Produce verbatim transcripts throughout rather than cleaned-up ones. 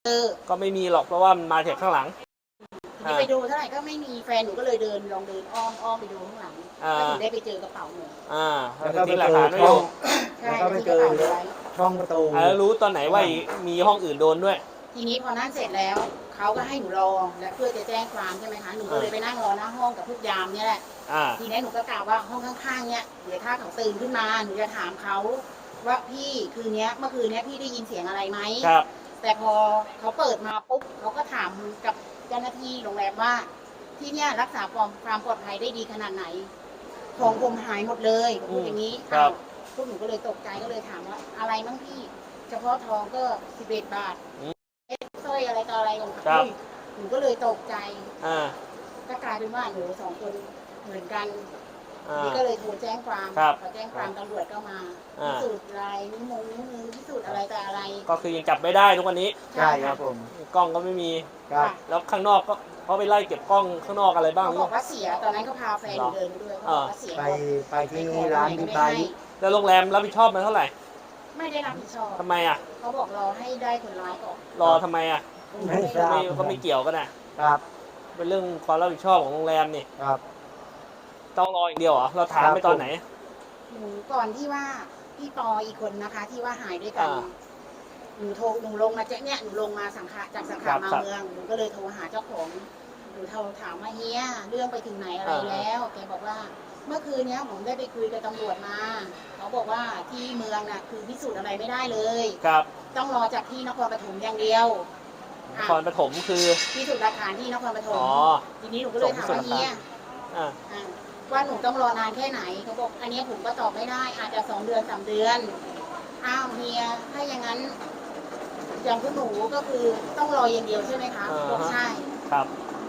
ก็ไม่มีหรอกเพราะว่ามันมาจากข้างหลังทีไปดูเท่าไหร่ก็ไม่มีแฟนหนูก็เลยเดินลองเดินอ้อมอ้อมไปดูข้างหลังก็ถึงได้ไปเจอกระเป๋าหนูอ่าแล้วก็ไปทิ้งหลักเจอฐานไว้อช่อยู่ งใช่แล้วก็ไปที่เจกระอเป๋าไว้ช่องประตูแล้วรู้ตอนไหนว่ามีห้องอื่นโดนด้วยทีนี้พอนั่นเสร็จแล้วเขาก็ให้หนูรอและเพื่อจะแจ้งความใช่ไหมคะหนูก็เลยไปนั่งรอหน้าห้องกับพวกยามเนี่ยแหละทีนี้หนูก็กล่าวว่าห้องข้างๆเนี่ยเดี๋ยวถ้าเขาตื่นขึ้นมาหนูจะถามเขาว่าพี่คืนนี้เมื่อคืนนี้พี่ได้ยินเสียงอะไรไหมครับแต่พอเขาเปิดมาปุ๊บเขาก็ถามกับเจ้าหน้าที่โรงแรมว่าที่เนี่ยรักษาความปลอดภัยได้ดีขนาดไหนของผมหายหมดเลยพูดอย่างนี้พวกหนูก็เลยตกใจก็เลยถามว่าอะไรบ้างพี่เฉพาะทองก็สิบเอ็ดบาทเอสสร้อยอะไรต่ออะไรของเขาหนูก็เลยตกใจก็กลายเป็นว่าหนูสองคนเหมือนกันนี่ก็เลยโทรแจ้งความพอแจ้งความตำรวจก็มาพิสูจน์ลายนิ้วมงนิ้วมือพิสูจน์อะไรแต่อะไรก็คือยังจับไม่ได้ทุกวันนี้ใช่ครับผมกล้องก็ไม่มีครับแล้วข้างนอกก็เขาไปไล่เก็บกล้องข้างนอกอะไรบ้างเขาบอกว่าเสียตอนนั้นก็พาแฟนเดินด้วยเขาบอกว่าเสียไปไปที่ร้านบิ๊กไบค์แล้วโรงแรมรับผิดชอบมันเท่าไหร่ไม่ได้รับผิดชอบทำไมอ่ะเขาบอกรอให้ได้คนร้ายก่อนรอทำไมอ่ะไม่ทราบก็ไม่เกี่ยวกันนะครับเป็นเรื่องความรับผิดชอบของโรงแรมนี่ครับต้องรออย่างเดียวเหรอเราถามไปตอนไหนหนูก่อนที่ว่าพี่ปออีกคนนะคะที่ว่าหายด้วยกันหนูโทรหนูลงมาเจ๊เนี่ยหนูลงมาสังขะจากสังขะมาเมืองหนูก็เลยโทรหาเจ้าของหนูโทรถามว่าเฮียเรื่องไปถึงไหนอะไรแล้วแกบอกว่าเมื่อคืนนี้ผมได้ไปคุยกับตำรวจมาเขาบอกว่าที่เมืองน่ะคือพิสูจน์อะไรไม่ได้เลยครับต้องรอจากที่นครปฐมอย่างเดียวนครปฐมคือพิสูจน์หลักฐานที่นครปฐมทีนี้หนูก็เลยถามว่าเฮียว่าหนูต้องรอนานแค่ไหนเขาบอกอันนี้ผมก็ตอบไม่ได้อาจจะสองเดือนสามเดือนอ้าวเฮียถ้าอย่างนั้นอย่างพวกหนูก็คือต้องรออย่างเดียวใช่ไหมคะบอกใช่ครับ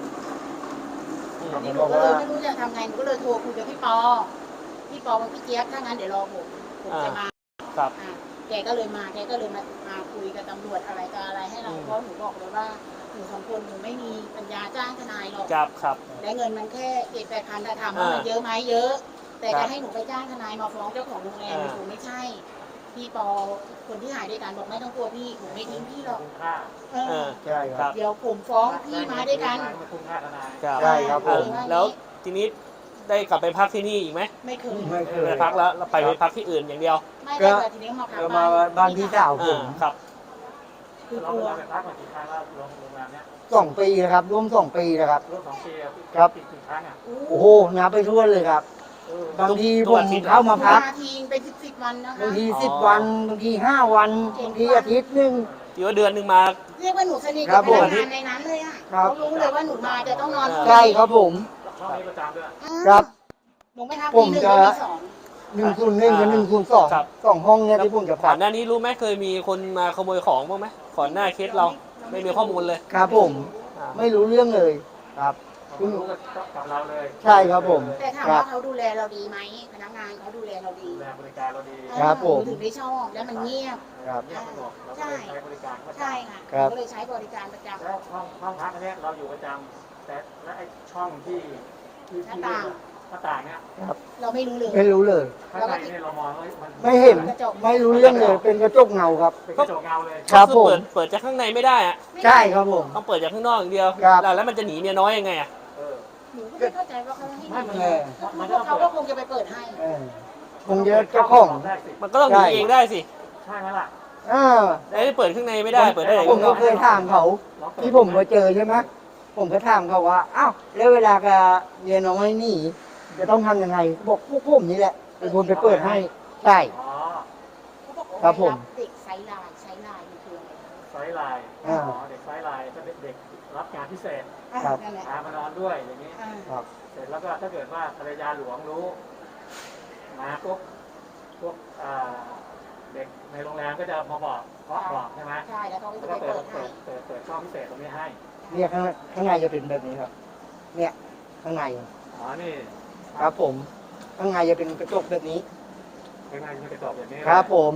นี่หนูก็เลยไม่รู้จะทำไงหนูก็เลยโทรคุยกับพี่ปอพี่ปอบอกพี่เจี๊ยบถ้างั้นเดี๋ยวรอผมผมจะมาครับแกก็เลยมาแกก็เลยมามาคุยกับตำรวจอะไรกับอะไรให้เราเพราะหนูบอกเลยว่าหนูสองคนหนูไม่มีปัญญาจ้างทนายหรอกครับครับและเงินมันแค่เจ็ดแปดพันแต่ถามว่ามันเยอะไหมเยอะแต่จะให้หนูไปจ้างทนายมาฟ้องเจ้าของโรงแรมหนูไม่ใช่พี่ปอคนที่หายด้วยกันบอกไม่ต้องกลัวพี่ผมไม่ทิ้งพี่หรอกใช่ครับเดี๋ยวผมฟ้องพี่มาด้วยกันใช่ครับผมแล้วทีนี้ได้กลับไปพักที่นี่อีกไหมไม่เคยไม่เคยไปพักแล้วเราไปไปพักที่อื่นอย่างเดียวไม่ได้ทีนี้มาพักมาบ้านพี่สาวผมครับคือกลัวสองปีนะครับร่วมสองปีนะครับร่วมสองปีครับกี่ครั้งอ่ะโอ้โหนับไปทั่วเลยครับบางทีผมเข้ามาพักทีเป็นสิบสิบวันนะคะบางทีสิบวันบางทีห้าวันบางทีอาทิตย์หนึ่งที่ว่าเดือนหนึ่งมาเรียกว่าหนูสนิทกับพนักงานในนั้นเลยอ่ะเขารู้เลยว่าหนูมาจะต้องนอนใช่ครับผมช่องนี้ประจำด้วยครับหนูไม่ทำปีหนึ่งปีสองหนึ่งคูณหนึ่งกับหนึ่งคูณสองสองห้องเนี่ยที่ผมจะก่อนหน้านี้รู้ไหมเคยมีคนมาขโมยของบ้างไหมก่อนหน้าเคสเราไม่มีข้อมูลเลยครับผมไม่รู้เรื่องเลยครับคุณรู้กับเราเลยใช่ครับผมแต่ถามว่าเขาดูแลเราดีไหมพนักงานเขาดูแลเราดีดูแลบริการเราดีครับผมถึงได้ชอบแล้วมันเงียบครับใช่ใช้บริการใช่ค่ะก็เลยใช้บริการประจำแล้วห้องห้องพักอันนี้เราอยู่ประจำแต่และไอช่องที่ที่หน้าต่างหน้าต่างเนี้ยเราไม่รู้เลยไม่รู้เลยข้างในนี่เรามองไม่เห็นไม่รู้เรื่องเลยเป็นกระจกเงาครับเป็นกระจกเงาเลยครับผมเปิดเปิดจากข้างในไม่ได้อะใช่ครับผมต้องเปิดจากข้างนอกอย่างเดียวแล้วมันจะหนีเมียน้อยยังไงอ่ะหนูก็ไม่เข้าใจว่าเขาให้ไม่มันเขาก็คงจะไปเปิดให้คงเยอะเจ้าของมันก็ต้องหนีเองได้สิใช่ไหมล่ะอ่าไอ้เปิดข้างในไม่ได้เปิดได้ผมก็เคยถามเขาที่ผมมาเจอใช่ไหมผมก็ถามเขาว่าอ้าวแล้วเวลากับเมียน้อยนี่จะต้องทำยังไงบอกพวกผมนี่แหละเป็นคนไปเปิดให้ใช่ครับผมเด็กไซไลน์ไซไลน์มันคืออะไรไซไลน์อ๋อเด็กไซไลน์ก็เด็กรับงานพิเศษพามานอนด้วยอย่างนี้เสร็จแล้วก็ถ้าเกิดว่าภรรยาหลวงรู้มาปุ๊บพวกเด็กในโรงแรมก็จะมาบอกเคาะบอกใช่ไหมใช่แล้วเขาก็เปิดเปิดเปิดเปิดช่องพิเศษตรงนี้ให้เนี่ยข้างข้างในจะเป็นแบบนี้ครับเนี่ยข้างในอ๋อนี่ครับผมข้างในจะเป็นกระจกแบบนี้ข้างในจะเป็นกระจกแบบนี้ครับผม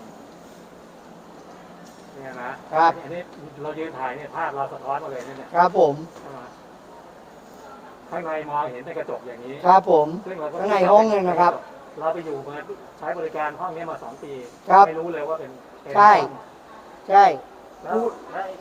เนี่ยนะครับอันนี้เรายืนถ่ายเนี่ยภาพเราสะท้อนมาเลยเนี่ยครับผมข้างในมองเห็นในกระจกอย่างนี้ครับผมข้างในห้องเลยนะครับเราไปอยู่มาใช้บริการห้องนี้มาสองปีไม่รู้เลยว่าเป็นใช่ใช่แล้ว